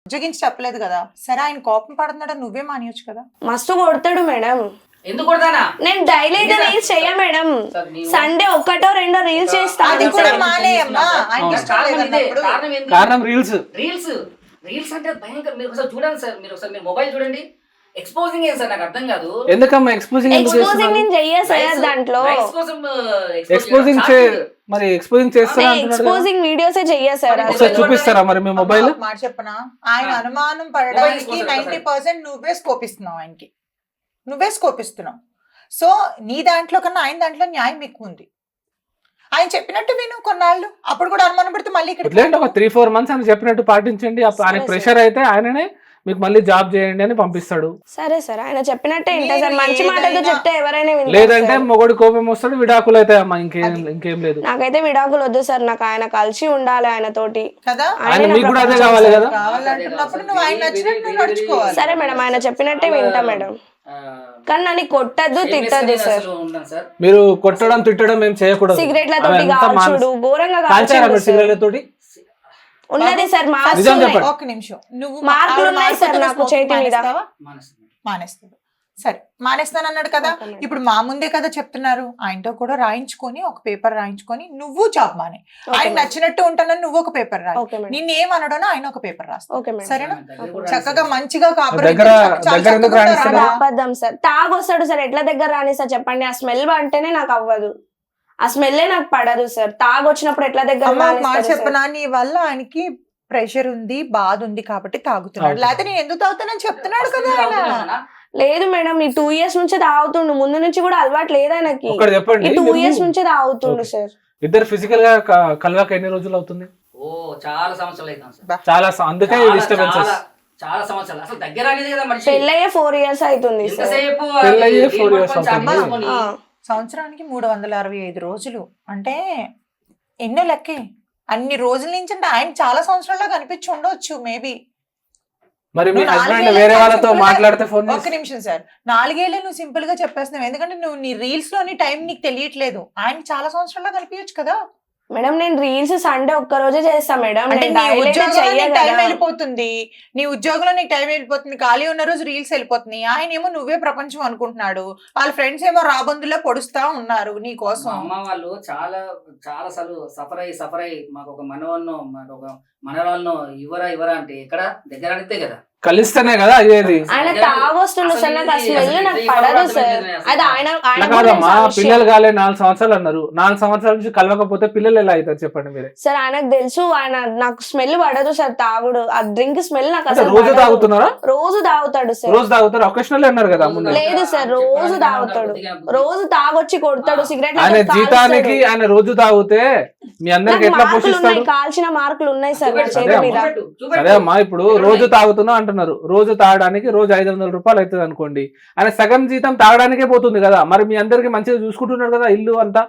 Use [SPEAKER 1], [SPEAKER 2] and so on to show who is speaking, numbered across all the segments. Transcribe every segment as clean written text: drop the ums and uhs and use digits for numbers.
[SPEAKER 1] ఉద్యోగించి చెప్పలేదు కదా, సరే ఆయన కోపం పడుతున్నాడు నువ్వే మానేయొచ్చు కదా.
[SPEAKER 2] మస్తు కొడతాడు మేడం.
[SPEAKER 3] ఎందుకు కొడతానా?
[SPEAKER 2] నేను డైలీ అయితే రీల్స్ చెయ్య మేడం, సండే ఒక్కటో రెండో రీల్స్ చేస్తా.
[SPEAKER 1] అది కూడా మానేయమ్మా, ఆయనకి ఇష్టం లేదన్నప్పుడు.
[SPEAKER 4] కారణం రీల్స్.
[SPEAKER 3] రీల్స్ అంటే భయంకర. మీరు ఒకసారి చూడండి సార్, మీరు ఒకసారి మీరు మొబైల్ చూడండి. ఎక్స్పోజింగ్ ఏం సార్ నాకు అర్థం కాదు.
[SPEAKER 4] ఎందుకమ్మా ఎక్స్పోజింగ్
[SPEAKER 2] నేను చెయ్య సార్ దాంట్లో.
[SPEAKER 4] ఎక్స్పోజింగ్ మరి ఎక్స్పోజింగ్ చేస్తారా అంటున్నారు.
[SPEAKER 2] ఎక్స్పోజింగ్ వీడియోసే చెయ్య సార్.
[SPEAKER 4] ఒకసారి చూపిస్తారా మరి మీ మొబైల్?
[SPEAKER 1] మాట చెప్పనా, ఆయన అనుమానం పడడానికి 90% నువ్వే స్కోప్ ఇస్తున్నావు ఆయనకి, నువ్వే స్కోప్ ఇస్తున్నావు. సో నీ దాంట్లో కన్నా ఆయన దాంట్లో న్యాయం ఎక్కువ ఉంది. ఆయన చెప్పినట్టు విను కొన్నాళ్ళు, అప్పుడు కూడా అనుమానం పడితే మళ్ళీ ఇక్కడ
[SPEAKER 4] ఒక 3-4 months అని చెప్పినట్టు పాటించండి. ఆయన ప్రెషర్ అయితే ఆయననే మీకు మళ్ళీ జాబ్ చేయండి అని పంపిస్తాడు.
[SPEAKER 2] సరే సార్, ఆయన చెప్పినట్టే ఇంటా సార్. మంచి మాటతో చెప్తే ఎవరైనా వింటారు.
[SPEAKER 4] లేదంటే మొగడు కోపం వస్తాడు, విడాకులు అయితే అమ్మా, ఇంకేం లేదు.
[SPEAKER 2] నాకైతే విడాకులు వద్దు సార్, నాకు ఆయన కలిసి ఉండాలి ఆయన తోటి
[SPEAKER 1] కదా.
[SPEAKER 4] ఆయన మీకు కూడా అదే కావాలి కదా.
[SPEAKER 1] కావాలంటున్నప్పుడు నువ్వు ఆయన నచ్చినట్టు నువ్వు నడుచుకోవాలి.
[SPEAKER 2] సరే మేడం, ఆయన చెప్పినట్టే వింటా మేడం, కానీ నన్ను కొట్టద్దు తిట్టద్దు సార్.
[SPEAKER 4] మీరు కొట్టడం తిట్టడం ఏం చేయకూడదు.
[SPEAKER 2] సిగరెట్లతోటి కాల్చుడు ఘోరంగా కాల్చాడు.
[SPEAKER 4] సిగరెట్లతోటి
[SPEAKER 2] ఉన్నది సార్,
[SPEAKER 1] ఒక నిమిషం, నువ్వు
[SPEAKER 2] మార్కులు ఉన్నాయి సార్ నాకు చేతి మీద.
[SPEAKER 1] మానేస్తాడు, సరే మానేస్తాను అన్నాడు కదా. ఇప్పుడు మా ముందే కదా చెప్తున్నారు, ఆయనతో కూడా రాయించుకొని ఒక పేపర్ రాయించుకొని నువ్వు జాబ్ మానే. ఆయన నచ్చినట్టు ఉంటానని నువ్వు ఒక పేపర్ రాయి, నిన్నేమనడో ఆయన ఒక పేపర్ రాస్తావు. సరేనా, చక్కగా మంచిగా
[SPEAKER 2] అబద్ధం సార్. తాగొస్తాడు సార్, ఎట్లా దగ్గర రాని సార్ చెప్పండి. ఆ స్మెల్ అంటేనే నాకు అవ్వదు, ఆ స్మెల్లే నాకు పడదు సార్. తాగొచ్చినప్పుడు ఎట్లా దగ్గర
[SPEAKER 1] మాట చెప్పనా, నీ వల్ల ఆయనకి ప్రెషర్ ఉంది, బాధ ఉంది కాబట్టి తాగుతున్నాడు. లేకపోతే నేను ఎందుకు తాగుతానని చెప్తున్నాడు కదా ఆయన.
[SPEAKER 2] లేదు మేడం, ఈ 2 years నుంచే తాగుతుండు, ముందు నుంచి కూడా అలవాటు లేదు ఆయనకి. 2 years నుంచే తాగుతుండు సార్.
[SPEAKER 4] ఇద్దరు ఫిజికల్ గా కలవాక ఎన్ని రోజులు అవుతుంది?
[SPEAKER 3] చాలా సంవత్సరాలు అవుతుంది.
[SPEAKER 4] చాలా, అందుకే డిస్టర్బెన్సెస్.
[SPEAKER 3] చాలా సంవత్సరాలు అసలు దగ్గర అనేది కదా మనిషి.
[SPEAKER 2] పెళ్ళయ్యే 4 years అవుతుంది సార్.
[SPEAKER 4] పెళ్ళయ్యే 4 years అవుతుంది.
[SPEAKER 1] సంవత్సరానికి 365 రోజులు అంటే ఎన్నో లెక్కే. అన్ని రోజుల నుంచి అంటే ఆయన చాలా సంవత్సరాల్లో కనిపించి ఉండొచ్చు మేబీ.
[SPEAKER 4] మరి మీ హస్బెండ్ వేరే వాళ్ళతో మాట్లాడితే ఫోన్.
[SPEAKER 1] ఒక్క నిమిషం సార్, 4 ఏళ్ళే నువ్వు సింపుల్ గా చెప్పేస్తున్నావు, ఎందుకంటే నువ్వు నీ రీల్స్ లోని టైం నీకు తెలియట్లేదు. ఆయన చాలా సంవత్సరాల్లో కనిపించచ్చు కదా
[SPEAKER 2] మేడం. నేను రీల్స్ సండే ఒక్క రోజే చేస్తా మేడం.
[SPEAKER 1] టైం వెళ్ళిపోతుంది, నీ ఉద్యోగంలో నీకు టైం వెళ్ళిపోతుంది, ఖాళీ ఉన్న రోజు రీల్స్ వెళ్ళిపోతుంది. ఆయన ఏమో నువ్వే ప్రపంచం అనుకుంటున్నాడు, వాళ్ళ ఫ్రెండ్స్ ఏమో రాబందులో పొడుస్తా ఉన్నారు నీ కోసం.
[SPEAKER 3] అమ్మ వాళ్ళు చాలా చాలా సార్లు సఫర్ అయ్యి మాకు ఒక మనవన్నో మాకు ఒక మనవాళ్ళను ఇవ్వరా అంటే ఎక్కడ దగ్గర అడిగితే కదా
[SPEAKER 4] కలిస్తేనే కదా అయ్యేది.
[SPEAKER 2] ఆయన తాగొస్తుండు సార్, నాకు ఆ స్మెల్ నాకు పడదు సార్. అది ఆయన
[SPEAKER 4] కాదమ్మా, పిల్లలు కాలే 4 సంవత్సరాలు అన్నారు. 4 సంవత్సరాల నుంచి కలవకపోతే పిల్లలు ఎలా అవుతారు చెప్పండి మీరే.
[SPEAKER 2] సార్ ఆయనకు తెలుసు, ఆయన నాకు స్మెల్ పడదు సార్. తాగుడు, ఆ డ్రింక్ స్మెల్ నాకు అసలు.
[SPEAKER 4] రోజు తాగుతున్నారా?
[SPEAKER 2] రోజు తాగుతాడు సార్.
[SPEAKER 4] రోజు తాగుతారు, ఒకేషనల్ అన్నారు కదా.
[SPEAKER 2] లేదు సార్, రోజు తాగుతాడు, రోజు తాగొచ్చి కొడతాడు సిగరెట్.
[SPEAKER 4] ఆయన జీతానికి ఆయన రోజు తాగితే మీ అందరికి ఎట్లా పోషిస్తాడు?
[SPEAKER 2] కాల్చిన మార్కులు ఉన్నాయి సార్ నా చేతి మీద.
[SPEAKER 4] సరే అమ్మా, ఇప్పుడు రోజు తాగుతున్నా అంటున్నారు, రోజు తాగడానికి రోజు 500 రూపాయలు అవుతుంది అనుకోండి. ఆయన సగం జీతం తాగడానికే పోతుంది కదా. మరి మీ అందరికి మంచిగా చూసుకుంటున్నాడు కదా ఇల్లు అంతా.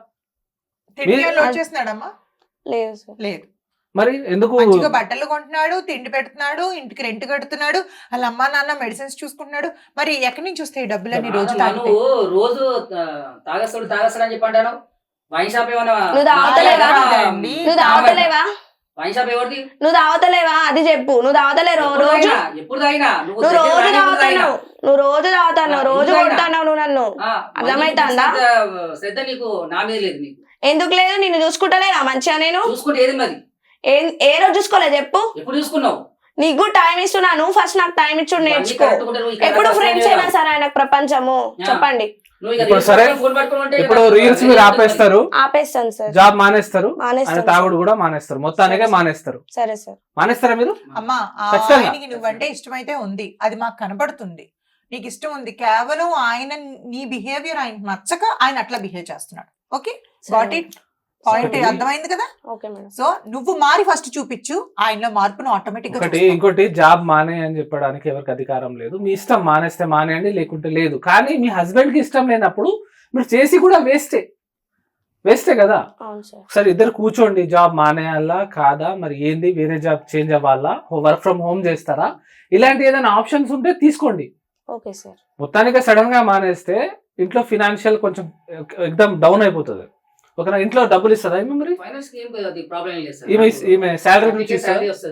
[SPEAKER 1] లేదు సార్, లేదు.
[SPEAKER 4] మరి ఎందుకు?
[SPEAKER 1] బట్టలు కొంటున్నాడు, తిండి పెడుతున్నాడు, ఇంటికి రెంట్ కడుతున్నాడు, వాళ్ళ అమ్మా నాన్న మెడిసిన్స్ చూసుకుంటున్నాడు. మరి ఎక్కడి నుంచి వస్తాయి డబ్బులన్నీ? రోజు
[SPEAKER 3] రోజు తాగస్తాడు అని చెప్పి అంటాను. వైన్ షాప్ ఏమన్నా
[SPEAKER 2] నువ్వు తాగుతలేవా?
[SPEAKER 3] వైన్ షాప్ ఎవరిది?
[SPEAKER 2] నువ్వు తాగుతలేవా అది చెప్పు. నువ్వు తాగుతలేరు రోజు?
[SPEAKER 3] ఎప్పుడు తాగినా?
[SPEAKER 2] నువ్వు రోజు తాగుతావు, నువ్వు రోజు తాగుతావు, రోజు కొడతావు నువ్వు నన్ను. అర్థమైతుందా?
[SPEAKER 3] శ్రద్ధ నీకు నా మీద లేదు. నీకు
[SPEAKER 2] ఎందుకు లేదు? నిన్ను చూసుకుంటలేనా మంచిగా? నేను
[SPEAKER 3] చూసుకుంటే ఏది మరి?
[SPEAKER 2] ఏ రోజు చూసుకోలేదు చెప్పు.
[SPEAKER 3] ఎప్పుడు చూసుకున్నావు?
[SPEAKER 2] నీకు టైం ఇస్తున్నాను, ఫస్ట్ నాకు టైం ఇచ్చుడు నేర్చుకో. ఎప్పుడు ఫ్రెండ్స్ అయినా సరే ఆయనకు ప్రపంచము చెప్పండి.
[SPEAKER 4] ఇప్పుడు రీల్స్ మీరు
[SPEAKER 2] ఆపేస్తాను సార్,
[SPEAKER 4] జాబ్ మానేస్తారు, తాగుడు కూడా మానేస్తారు, మొత్తానికే మానేస్తారు.
[SPEAKER 2] సరే సార్,
[SPEAKER 4] మానేస్తారా మీరు?
[SPEAKER 1] అమ్మా నువ్వంటే ఇష్టమైతే ఉంది, అది మాకు కనబడుతుంది. నీకు ఇష్టం ఉంది, కేవలం ఆయన నీ బిహేవియర్ ఆయన నచ్చక ఆయన అట్లా బిహేవ్ చేస్తున్నాడు. ఓకే, గాట్ ఇట్, పాయింట్ అర్థమైంది కదా. సో నువ్వు మారి ఫస్ట్ చూపించు, ఆయనలో మార్పును ఆటోమేటిక్ గా.
[SPEAKER 4] ఇంకోటి జాబ్ మానే అని చెప్పడానికి ఎవరికి అధికారం లేదు. మీ ఇష్టం, మానేస్తే మానేయండి, లేకుంటే లేదు. కానీ మీ హస్బెండ్ కి ఇష్టం లేనప్పుడు మీరు చేసి కూడా వేస్టే కదా. ఒకసారి ఇద్దరు కూర్చోండి, జాబ్ మానేయాలా కాదా, మరి ఏంది, వేరే జాబ్ చేంజ్ అవ్వాలా, వర్క్ ఫ్రమ్ హోమ్ చేస్తారా, ఇలాంటి ఏదైనా ఆప్షన్స్ ఉంటే తీసుకోండి. మొత్తానికి సడన్ గా మానేస్తే ఇంట్లో ఫినాన్షియల్ కొంచెం ఎక్దమ్ డౌన్ అయిపోతుంది. ఒక ఇంట్లో డబ్బులు ఇస్తుందా మరి?
[SPEAKER 3] ఈమె
[SPEAKER 4] శాలరీ నుంచి
[SPEAKER 3] వస్తుంది,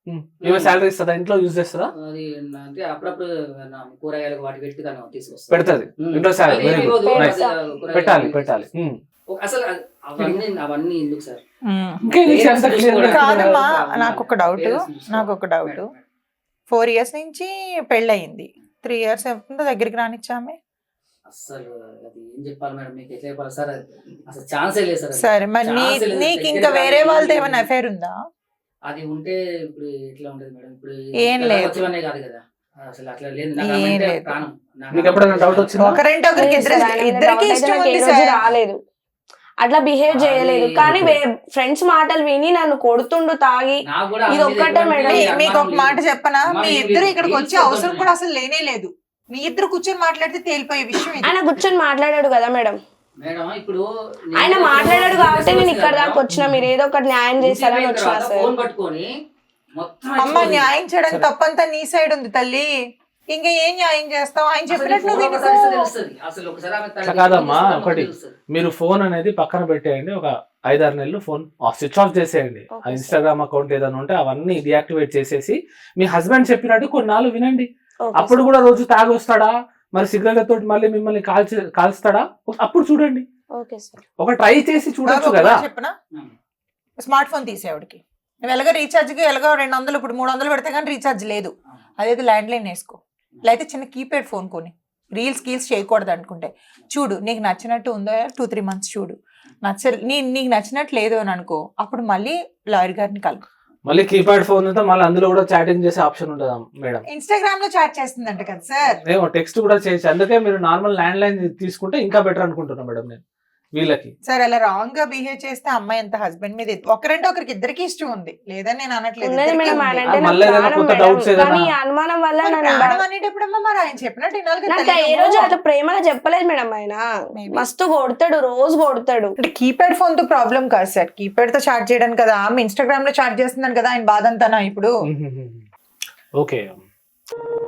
[SPEAKER 4] ఈమె శాలరీ ఇస్తుందా, ఇంట్లో యూజ్ చేస్తుందా?
[SPEAKER 3] అది అంటే అప్పుడప్పుడు కూరగాయలకు వాటి పెట్టి తను తీసుకొస్తాను.
[SPEAKER 4] పెడుతుంది ఇంట్లో శాలరీ. Very good, nice. పెట్టాలి పెట్టాలి.
[SPEAKER 3] అసలు అవన్నీ ఎందుకు సార్?
[SPEAKER 1] కాదమ్మా, నాకు ఒక డౌట్ 4 years నుంచి పెళ్ళయింది, 3 years అవుతుందో దగ్గరికి రానిచ్చామే.
[SPEAKER 3] అసలు అది ఏం చెప్పాలి మేడం, మీకు ఎట్లా చెప్పాలి సార్, అసలు ఛాన్సే లేదు సార్.
[SPEAKER 1] సరే మరి నీకు ఇంకా వేరే వాళ్ళతో ఏమైనా అఫైర్ ఉందా?
[SPEAKER 3] అది ఉంటే ఇప్పుడు ఎట్లా ఉండదు మేడం, ఇప్పుడు
[SPEAKER 1] ఏం లేదు.
[SPEAKER 3] వచ్చేవనే కాదు కదా, అసలు అట్లా లేదు.
[SPEAKER 1] ఏం లేదు.
[SPEAKER 4] మీకు ఎప్పుడైనా డౌట్ వచ్చిందా?
[SPEAKER 1] ఒకరంటే ఒకరికి ఇద్దరికి ఇష్టం ఉంది సార్.
[SPEAKER 2] రాలేదు, అట్లా బిహేవ్ చేయలేదు. కానీ ఫ్రెండ్స్ మాటలు విని నన్ను కొడుతుండు తాగి. ఇది ఒక్కటే మేడం.
[SPEAKER 1] మీకు ఒక మాట చెప్పనా, మీ ఇద్దరు ఇక్కడికి వచ్చే అవసరం కూడా అసలు లేనే లేదు. మీ ఇద్దరు కూర్చొని మాట్లాడితే తేలిపోయే విషయం ఇది.
[SPEAKER 2] ఆయన కూర్చొని మాట్లాడాడు కదా మేడం,
[SPEAKER 3] మేడం ఇప్పుడు
[SPEAKER 2] ఆయన మాట్లాడాడు కాబట్టి నేను ఇక్కడ దాకా వచ్చిన. మీరు ఏదో ఒకటి న్యాయం చేస్తారని వచ్చినా సార్.
[SPEAKER 3] ఫోన్ పట్టుకొని మొత్తం
[SPEAKER 1] అమ్మ న్యాయం చేయడం తప్పంతా నీ సైడ్ ఉంది తల్లి, ఇంకా ఏం న్యాయం చేస్తావు? ఆయన చెప్పినట్లు
[SPEAKER 3] అసలు
[SPEAKER 4] కాదమ్మా, ఒకటి మీరు ఫోన్ అనేది పక్కన పెట్టేయండి, ఒక 5-6 నెలలు ఫోన్ స్విచ్ ఆఫ్ చేసేయండి. ఆ ఇన్స్టాగ్రామ్ అకౌంట్ ఏదైనా ఉంటే అవన్నీ డియాక్టివేట్ చేసేసి మీ హస్బెండ్ చెప్పినట్టు కొన్నాళ్ళు వినండి. అప్పుడు కూడా రోజు తాగి వస్తాడా, మరి సిగరెట్ తోటి మళ్ళీ మిమ్మల్ని కాల్స్తాడా, అప్పుడు చూడండి. ఒక ట్రై చేసి చూడొచ్చు కదా.
[SPEAKER 1] చెప్పనా, స్మార్ట్ ఫోన్ తీసేవాడికి నువ్వు ఎలాగో రీఛార్జ్కి ఎలాగో 200 ఇప్పుడు 300 పెడితే కానీ రీఛార్జ్ లేదు, అదేదో ల్యాండ్ లైన్ వేసుకో, లేకపోతే చిన్న కీప్యాడ్ ఫోన్ కొని. రీల్స్ చేయకూడదు అనుకుంటే చూడు, నీకు నచ్చినట్టు ఉందో 2-3 months చూడు, నీకు నచ్చినట్టు లేదు అని అనుకో, అప్పుడు మళ్ళీ లాయర్ గారిని కలుగు.
[SPEAKER 4] మళ్ళీ కీప్యాడ్ ఫోన్ ఉంటే మళ్ళీ అందులో కూడా చాటింగ్ చేసే ఆప్షన్ ఉంటుందా మేడం?
[SPEAKER 1] ఇన్స్టాగ్రామ్ లో చాట్ చేస్తుందంట కదా సార్.
[SPEAKER 4] ఏమో టెక్స్ట్ కూడా చేసి, అందుకే మీరు నార్మల్ ల్యాండ్ లైన్ తీసుకుంటే ఇంకా బెటర్ అనుకుంటున్నా మేడం నేను వీళ్ళకి.
[SPEAKER 1] సార్ అలా రాంగ్ గా బిహేవ్ చేస్తే అమ్మాయి ఎంత హస్బెండ్ మీద ఒకరంటే ఒకరికి ఇద్దరికి ఇష్టం ఉంది లేదని నేను అనట్లేదు.
[SPEAKER 2] అనుమానం వల్ల
[SPEAKER 1] అనేటప్పుడమ్మా మరి ఆయన చెప్పినట్టు
[SPEAKER 2] ఏ రోజు అట్లా ప్రేమగా చెప్పలేదు మేడం. ఆయన మస్తు కొడతాడు, రోజు కొడతాడు.
[SPEAKER 1] అంటే కీప్యాడ్ ఫోన్ తో ప్రాబ్లం కాదు సార్, కీప్యాడ్ తో చాట్ చేయడం కదా, ఆమె ఇన్స్టాగ్రామ్ లో చాట్ చేస్తున్నాను కదా, ఆయన బాధ అంతానా ఇప్పుడు?
[SPEAKER 4] ఓకే.